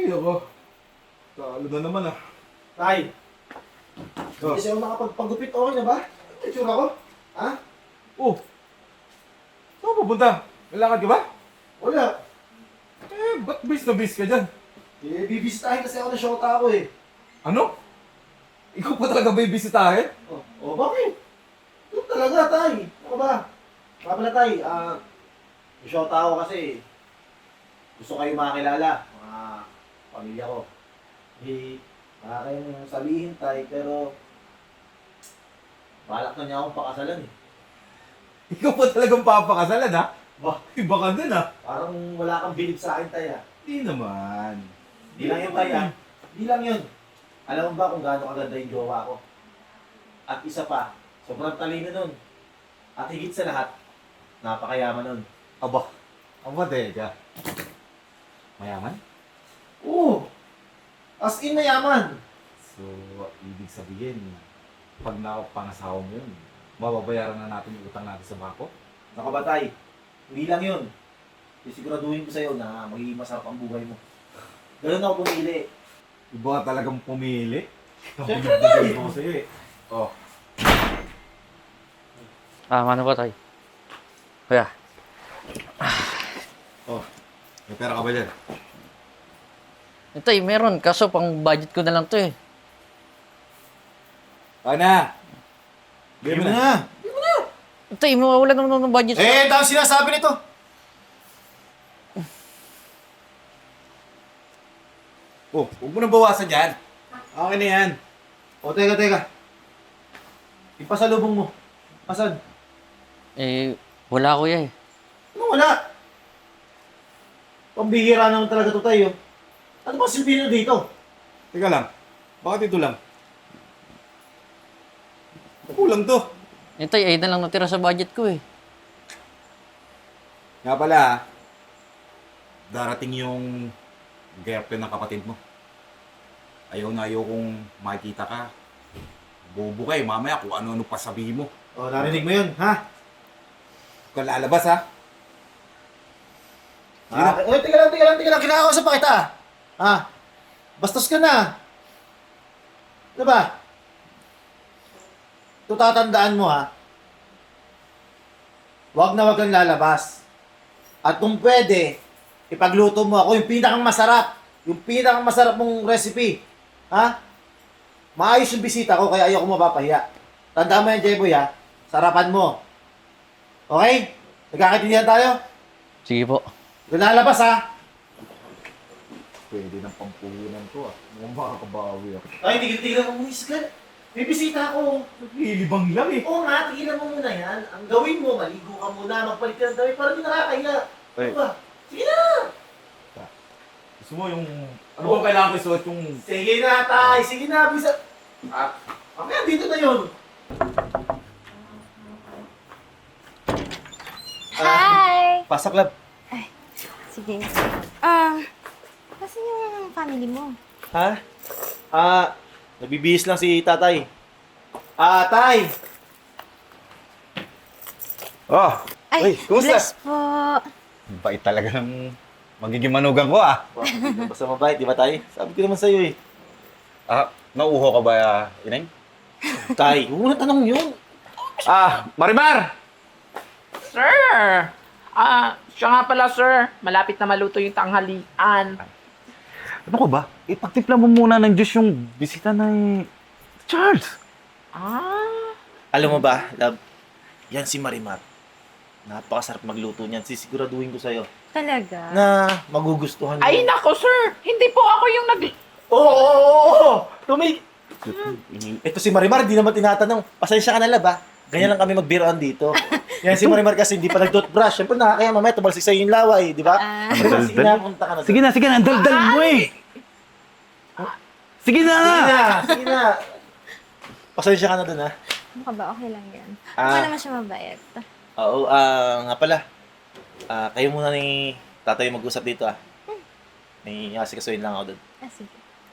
Ay, ako. Talo na naman ah. Tay, Oh. kasi ako nakapagpagupit, okay na ba? Ano yung tsura ko? Ha? Oh. Saan ka pupunta? Lalakad ka ba? Wala. Ba't bis na bis ka dyan? Bibisitahin kasi ako ng shota ko eh. Ano? Ikaw pa talaga ba ibisitahin? Bakit? Ito talaga, Tay. Ano ba? Kaya pala, Tay, yung shota ko kasi gusto kayo makakilala, mga pamilya ko. Baka kayong sabihin, Tay, pero balak na niya akong pakasalan eh. Ikaw pa talagang papakasalan ha? Bah, Iba ka dun ha? parang wala kang bilib sa akin, Tay, ha? Hindi naman. Di lang yun, Tay, ha? Di lang yun. Alam mo ba kung gaano kaganda yung jowa ko? At isa pa, sobrang talino nun. At higit sa lahat, napakayaman nun. Aba, teka. Mayaman? Oo! As in mayaman! So, ibig sabihin, pag nakapangasawa mo yun, mababayaran na natin yung utang natin sa bako? Nakabatay, hindi lang yun. Sisiguraduhin ko sa'yo na magiging masarap ang buhay mo. Ganun ako pumili. Iba ka talagang pumili. Siyempre, Tay! Ako sa'yo eh. Oh. Ano ba tayo? Kuya. Oh. May pera ka ba dyan? Ito meron. Kaso pang budget ko na lang to eh. Kaya na! Bigyan mo na! Ito mawawala naman ng budget. Eh, dahil sinasabi nito! Oh, huwag mo nang bawasan yan. Okay na yan. O, teka. Ipasalubong mo. Asan? Wala kuya eh. Ano wala? Pambihira naman talaga to tayo. Ano ba silbi nyo dito? Teka lang. Bakit ito lang? Kulang to. Ito ay na lang natira sa budget ko eh. Nga pala, darating yung girlfriend ng kapatid mo. Ayaw na ayaw kong makikita ka. Bobo ka eh, mamaya kung ano-ano pa sabihin mo. O, narinig mo yun, ha? Huwag kang lalabas ha. Teka lang. Kinakausap pa kita. Ha? Bastos ka na. Ano ba? Ito tatandaan mo, ha? Huwag kang lalabas. At kung pwede, ipagluto mo ako yung pinakang masarap mong recipe. Ha? Maayos yung bisita ko, kaya ayoko mapapahiya. Tandaan mo yan, Jeboy, ha? Sarapan mo. Okay? Nagkakaintindihan tayo? Sige po. Huwag kang lalabas, ha? Pwede ng pampuhunan to ah. Mukhang makakabawi ako. Ay, tigil-tigil mo muna, Iskal. May bisita ako. Naglilibang lang eh. Oo nga, tigilan mo muna yan. Ang gawin mo, maligo ka muna, magpalit ka ng damit para di nakakahiya. Ay. Ano ba? Sige na! Gusto mo yung... Ano bang kailangan ko isuot yung... Sige na, Tay! Sige na, bisa... Mamaya, dito na yun. Hi! Pasok, lab. Sige. Kasi yung family mo. Ha? Nabibihis lang si tatay. Tay! Oh! Ay, kumusta? bless po. Bait talaga ng magiging manugang ko ah. Basta mabait, di ba, Tay? Sabi ko naman sa'yo eh. Nauuho ka ba, Ineng? Tay, huwag mo na tanong yun. Marimar! Sir! Siya nga pala, sir. Malapit na maluto yung tanghalian. Ano ka ba? Ipagtimpla mo muna ng Diyos yung bisita ni Charles. Alam mo ba, love, yan si Marimar. Napakasarap magluto niyan. Sisiguraduhin ko sa'yo Talaga? na magugustuhan mo. Ay, nako, sir! Hindi po ako yung Oo! Ito si Marimar, di naman tinatanong. Pasensya ka na, love, ha? Ganyan lang kami magbiroan dito. Yan si Marimar kasi hindi pa nag-toothbrush. Siyempre nakakaya mamaya tumalsik sa'yo yung laway, di ba? Marimar, sige na, punta ka na. Sige na, ang daldal mo eh. Sige na! Sige na. Pasensya ka na dun, ha? Ano ka ba? Okay lang yan. Ah. Ako naman siya mabait. Oo, nga pala. Kayo muna ni tatay mag-usap dito, ah. May asikasuhin lang ako dun. Sige.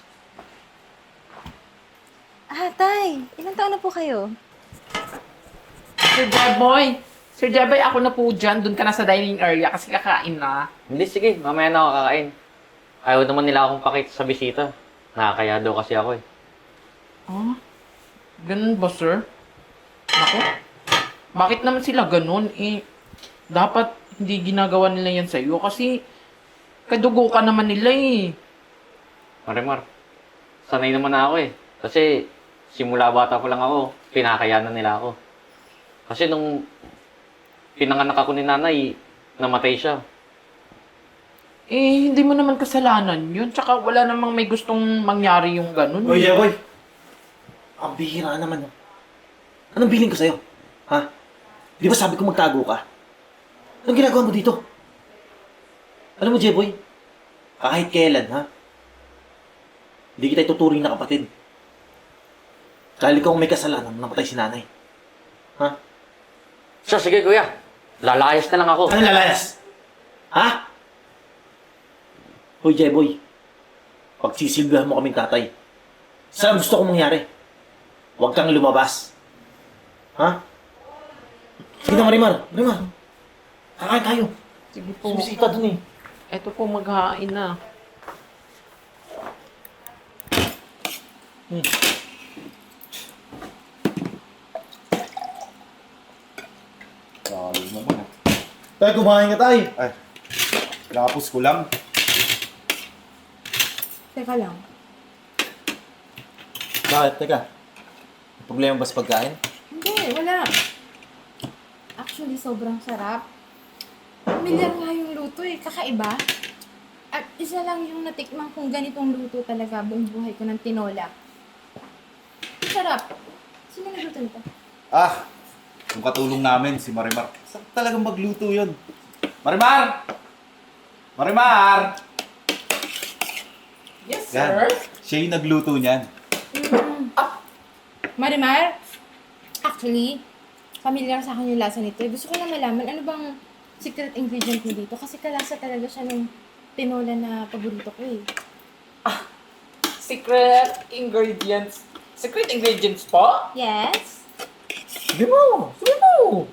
Tay, ilang taon na po kayo? Sir Jeboy! Sir Jeboy, ako na po dyan. Doon ka na sa dining area kasi kakain na. Hindi, sige. Mamaya na ako kakain. Ayaw naman nila akong pakita sa bisita. Nakakaya daw kasi ako eh. Ah, ganun ba, sir? Ako? Bakit naman sila ganun? Eh, dapat hindi ginagawa nila yan sa'yo kasi kadugo ka naman nila eh. Marimar, sanay naman na ako eh. Kasi simula bata pa lang ako, pinakayanan nila ako. Kasi nung pinanganak ako ni nanay, namatay siya. Eh, hindi mo naman kasalanan yun. Tsaka wala namang may gustong mangyari yung ganun. Oy, Jeboy! Ang bihira naman. Anong bilin ko sa'yo? Ha? Di ba sabi ko magtago ka? Anong ginagawa mo dito? Alam mo, Jeboy, kahit kailan, ha? Hindi kita ituturing na kapatid. Dahil ikaw ang may kasalanan nang namatay si nanay. Ha? Siya, sige kuya. Lalayas na lang ako. Anong lalayas? Ha? Hoy, Jeboy. Pagsisilbihan mo kaming tatay. Saan gusto kong mangyari? Huwag kang lumabas. Ha? Sige na, Marimar. Marimar. Kakain tayo. Sige po. Sumisita dun eh. Eto po, maghain na. Salo naman ah. Tayo, kumain ka tayo. Ay, lapos ko lang. Teka lang. Bakit? Teka. May problema ba sa pagkain? Hindi, wala. Actually, sobrang sarap. Familiar nga yung luto eh, kakaiba. At isa lang yung natikman kong ganitong luto talaga buong buhay ko ng tinola. Sarap. Sino nagluto nito? Ah, yung katulong namin, si Marimar. Saan talagang magluto yun? Marimar! Marimar! Yes, Yan. sir. Siya yung nagluto niyan. Marimar, actually, familiar sa akin yung lasa nito. Gusto ko lang malaman ano bang secret ingredient mo dito kasi kalasa talaga siya ng tinola na paborito ko eh. Secret ingredients. Secret ingredients po? Yes? Sabi mo. Sige po.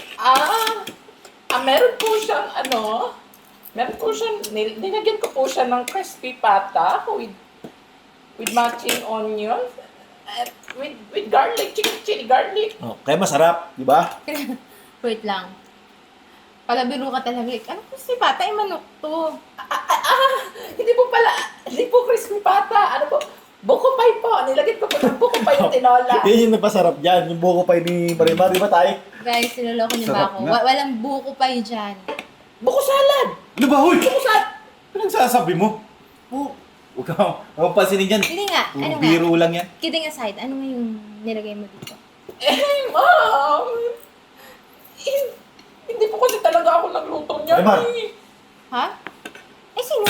Meron po siyang meron po siyang, nilagyan ko po siya ng crispy pata with matching onions, with garlic, chicken chili garlic. Oh, kaya masarap, di ba? Wait lang. Palabiro ka talaga. Ano po si Pata? Ay, manok to. Hindi po crispy pata. Ano po? Buko pie po. Nilagyan ko po ng buko pie yung tinola. Yan yung napasarap dyan. Yung buko pa ni Marimar, di ba tayo? Guys, niloloko niyo ba Sarap ako? nga. Walang buko pa yun dyan. Buko salad. Ano ba, huy? Buko salad. Anong sasabi mo? Oh, huwag kang pansinin dyan. Hindi nga. Puro Ano nga? biro lang yan. Kidding aside, ano nga yung nilagay mo dito? Ma'am. Hindi po kasi talaga ako nagluto niya. Marimar. Ha? Eh, sino?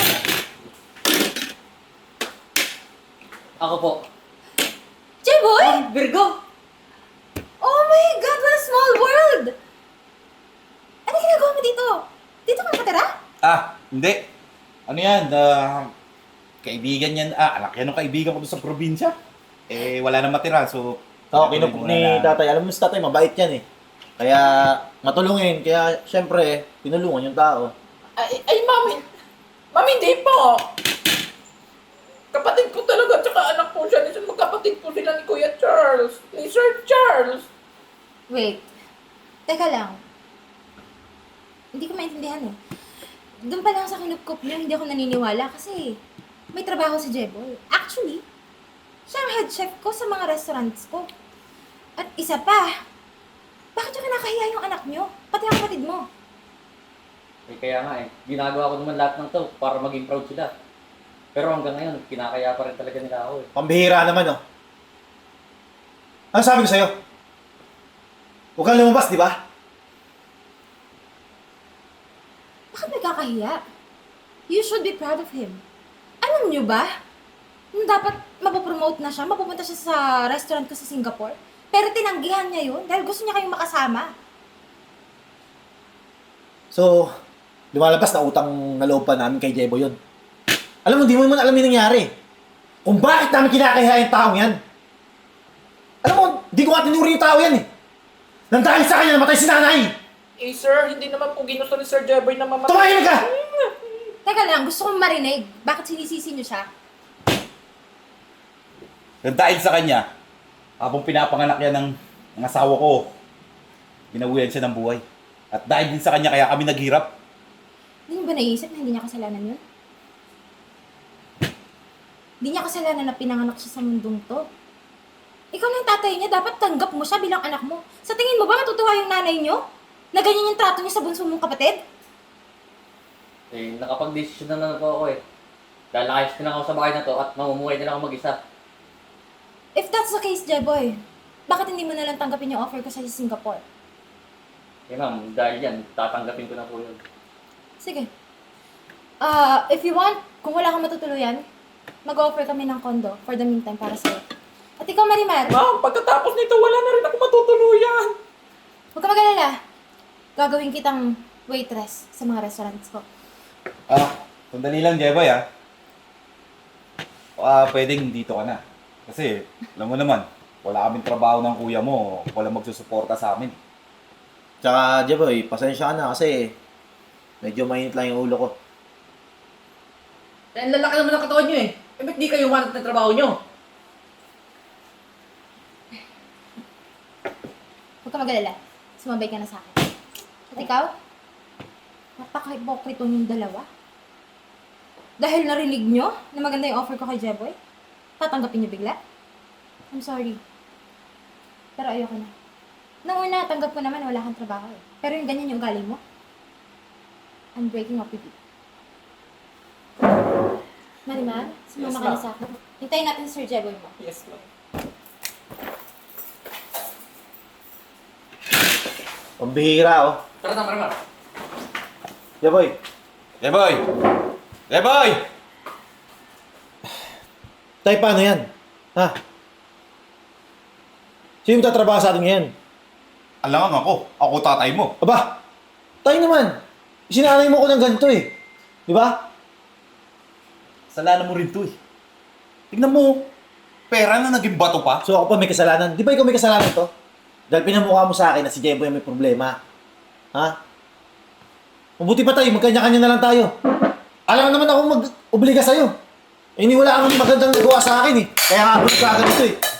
Ako po. J-Boy? Virgo! Oh my God, what a small world! Ano ginagawa mo dito? Dito ka nakatira? Ah, hindi. Ano yan? Kaibigan yan. Anak yan ng kaibigan ko doon sa probinsya. Eh, wala na matira. So, Oo, kinupok ni tatay. Alam mo si tatay, mabait yan eh. Kaya matulungin. Kaya syempre, pinulungan yung tao. Ay, ma'am. Ma'am, hindi po. Kapatid ko talaga, tsaka anak po siya. Magkapatid po sila ni Kuya Charles. Ni Sir Charles. Wait. Teka lang. Hindi ko maintindihan eh. Doon pa lang sa kinupkup niyo, hindi ako naniniwala kasi may trabaho si Jeboy. Actually, siya ang head chef ko sa mga restaurants ko. At isa pa, bakit yung kinakahiya yung anak niyo? Pati ang kapatid mo. Eh kaya nga eh, ginagawa ko naman lahat ng to para maging proud sila. Pero hanggang ngayon, kinakaya pa rin talaga nila ako eh. Pambihira naman oh. Ano sabi ko sa'yo? Huwag kang lumabas, di ba? Bakit nagkakahiya? You should be proud of him. Alam niyo ba? Nung dapat mapopromote na siya, mapupunta siya sa restaurant ko sa Singapore. Pero tinanggihan niya yun dahil gusto niya kayong makasama. So, lumalabas na utang na loob pa namin kay Jebo yun. Alam mo, di mo naman alam yung nangyari. Kung bakit namin kinakahiya yung taong yan. Alam mo, di ko nga tinuri yung tao yan eh. Nang dahil sa kanya, namatay si nanay! Eh, sir, hindi naman po ginusto ni Sir Jeboy na mamatay. Tumahimik ka! Teka lang, gusto kong marinig. Bakit sinisisi niyo siya? Dahil sa kanya, habang pinapanganak yan ng asawa ko, binawian siya ng buhay. At dahil din sa kanya, kaya kami naghirap. Hindi niyo ba naisip na hindi niya kasalanan yun? Hindi niya kasalanan na pinanganak siya sa mundong to. Ikaw na yung tatay niya, dapat tanggap mo siya bilang anak mo. Sa tingin mo ba matutuwa yung nanay niyo? Na ganyan yung trato niya sa bunso mong kapatid? Eh, nakapag-desisyon na po ako eh. Dahil nakayos din ako sa bahay na to at mamumuhay din ako mag-isa. If that's the case, Jeboy, bakit hindi mo nalang tanggapin yung offer ko sa Singapore? Eh ma'am, dahil yan, tatanggapin ko na po yun. Sige. If you want, kung wala kang matutuluyan, mag-offer kami ng condo for the meantime para sa'yo. At ikaw, Marimar, Ma'am, pagkatapos nito, wala na rin ako matutuluyan. huwag ka mag-alala. Gagawin kitang waitress sa mga restaurants ko. Sandali lang, Jeboy, pwedeng dito ka na. Kasi, alam mo naman, wala kaming trabaho ng kuya mo, wala magsusuporta sa amin. Tsaka, Jeboy, pasensya ka na kasi medyo mainit lang yung ulo ko. Eh, ang lalaki naman ng katawan nyo eh. Eh, ba't di kayo umanap ng trabaho nyo? Huwag ka mag-alala. Sumabay ka na sa akin. At ikaw? Napaka-hypocrite yung dalawa. Dahil narinig nyo na maganda yung offer ko kay Jeboy, tatanggapin nyo bigla? I'm sorry. Pero ayoko na. Nung una, tanggap ko naman wala kang trabaho eh. Pero yung ganyan yung ugali mo, I'm breaking up with you. Marimar, sumama ka na sa akin. Hintayin natin si Sir Jeboy mo. Yes, ma'am. Pambihira, oh. Tara na, Marimar. Jeboy, Jeboy! Jeboy! tay, paano yan? Ha? Sino yung tatrabaho sa atin ngayon? Alangan ako. Ako tatay mo. Aba, tayo naman. Sinanay mo ko ng ganito eh. Di ba? Kasalanan mo rin to eh. Tignan mo, pera na naging bato pa. So ako pa may kasalanan. Di ba ikaw may kasalanan to? Dahil pinamukha mo sa akin na si Jeboy ang may problema. Ha? Mabuti pa tayo, magkanya-kanya na lang tayo. Alam naman ako mag-obliga sa'yo. Eh, wala kang magandang nagawa sa akin eh. Kaya nga ako nagkagad ito eh.